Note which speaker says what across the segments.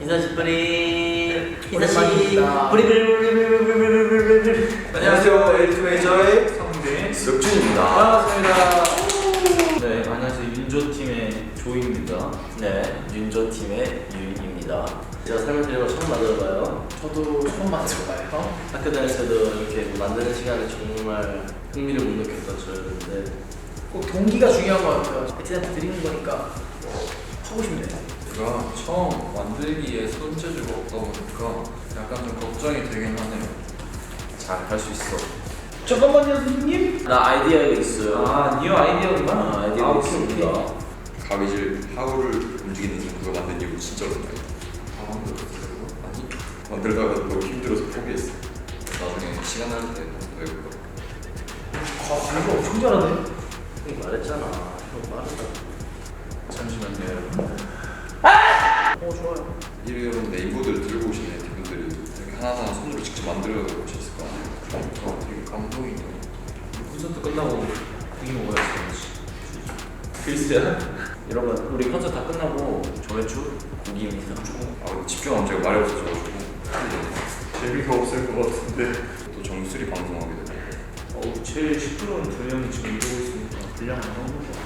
Speaker 1: 인사시 뿌리.
Speaker 2: 오랜만입니다.
Speaker 1: 뿌리.
Speaker 3: 안녕하세요. 에이트메이저의
Speaker 2: 성대
Speaker 3: 석준입니다.
Speaker 2: 반갑습니다.
Speaker 1: 네, 안녕하세요. 윤조 팀의 조입니다. 네, 윤조 팀의 유입니다. 제가 설명드린 걸 처음 만들어봐요.
Speaker 2: 저도 처음 만들어봐요.
Speaker 1: 학교 다닐 때도 이렇게 만드는 시간에 정말 흥미를 못 느꼈던 저였는데
Speaker 2: 꼭 동기가 중요한 것 같아요. 애티한테 드리는 거니까 하고 싶네.
Speaker 3: 제가 처음 만들기에 손재주가 없다 보니까 약간 좀 걱정이 되긴 하네요. 잘 할 수 있어.
Speaker 2: 잠깐만요, 선생님.
Speaker 1: 나 아이디어가 있어요.
Speaker 2: 아, 뉴 아이디어구나.
Speaker 1: 아이디어가
Speaker 2: 오케이,
Speaker 1: 있습니다.
Speaker 2: 오케이.
Speaker 4: 가위질 하우를 움직이는 그거 만든 이후 진짜 오랜만이야.
Speaker 3: 다 만들었어요.
Speaker 4: 아니 만들다가 너무 힘들어서 포기했어. 나중에 시간 날 때 더 해볼까.
Speaker 2: 이거 엄청 잘하네.
Speaker 1: 형이 말했잖아. 형 말했다.
Speaker 3: 잠시만요, 여러분.
Speaker 2: 좋아요.
Speaker 4: 이런 네임보드를 들고 오신 애티분들이 이렇게 하나하나 손으로 직접 만들어 오셨을 거 아니에요.
Speaker 3: 되게 감동이네요.
Speaker 1: 콘서트 끝나고 고기 먹어야지. 글쎄요. 여러분, 우리 콘서트 다 끝나고 저회주 고기입니다.
Speaker 4: 아 집중하면 제가 말이 없어져가지고
Speaker 3: 재미가 없을 것 같은데.
Speaker 4: 또 정수리 방송하게 되고.
Speaker 1: 제일 시끄러운 두 명이 지금 이러고 있으니까 분량을 하는 거.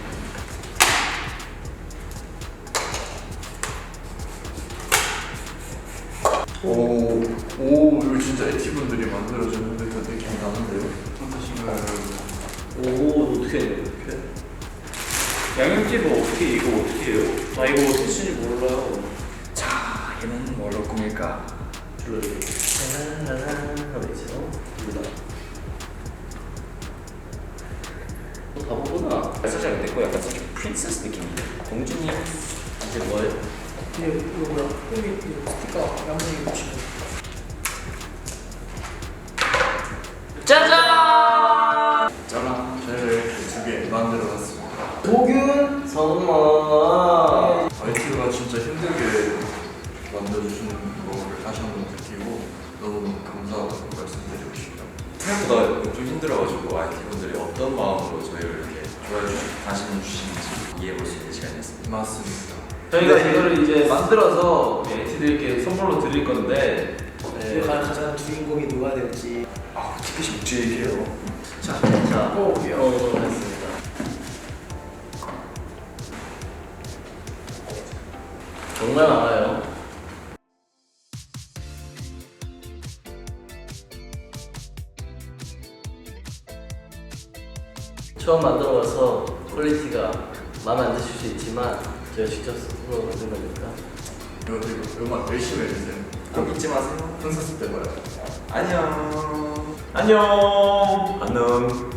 Speaker 3: 오, 이거 진짜 에티분들이 만들어주는 듯한 느낌이 나는데요. 어떠신가요, 여러분?
Speaker 1: 오, 어떻게 해요? 이렇게? 양념집은 어떻게 이거 어떻게 해요? 나 이거 어떻게 쓰는지 몰라요.
Speaker 4: 자, 얘는 뭘 할 겁니까?
Speaker 1: 불러요. 하고 있어요. 몰라. 너 바보구나.
Speaker 4: 살짝 내거 약간 살짝 프린세스 느낌인데.
Speaker 1: 공주님 이제 뭐예요?
Speaker 2: 이거 뭐야? 여기 이거 스티커 양념이 붙이고.
Speaker 1: 짜잔!
Speaker 4: 짜란.
Speaker 3: 저희를 2개 만들어봤습니다.
Speaker 2: 도균.
Speaker 1: 선마.
Speaker 3: 아이티가 진짜 힘들게 만들어주시는 거를 다시 한번 느끼고 너무 감사하다고 말씀드리고 싶어요.
Speaker 4: 생각보다 좀 힘들어가지고 IT분들이 어떤 마음으로 저희를 이렇게 좋아해 주시고 관심 주시는지 이해해볼 수 있는 시간이었습니다.
Speaker 3: 맞습니다.
Speaker 1: 저희가 이거를 이제 만들어서 에티들께 선물로 드릴 건데
Speaker 2: 가장 주인공이 누가 될지.
Speaker 4: 아, 티켓이 묵직해요.
Speaker 1: 자, 했습니다. 정말 많아요. 처음 만들어봐서 퀄리티가 마음에 안 드실 수 있지만 제가 직접 스스로 만든 거니까
Speaker 3: 이거 음악 열심히 해주세요.
Speaker 4: 꼭 잊지 마세요.
Speaker 3: 콘서트 때 봐요.
Speaker 4: 안녕.
Speaker 1: 안녕.
Speaker 4: 안녕.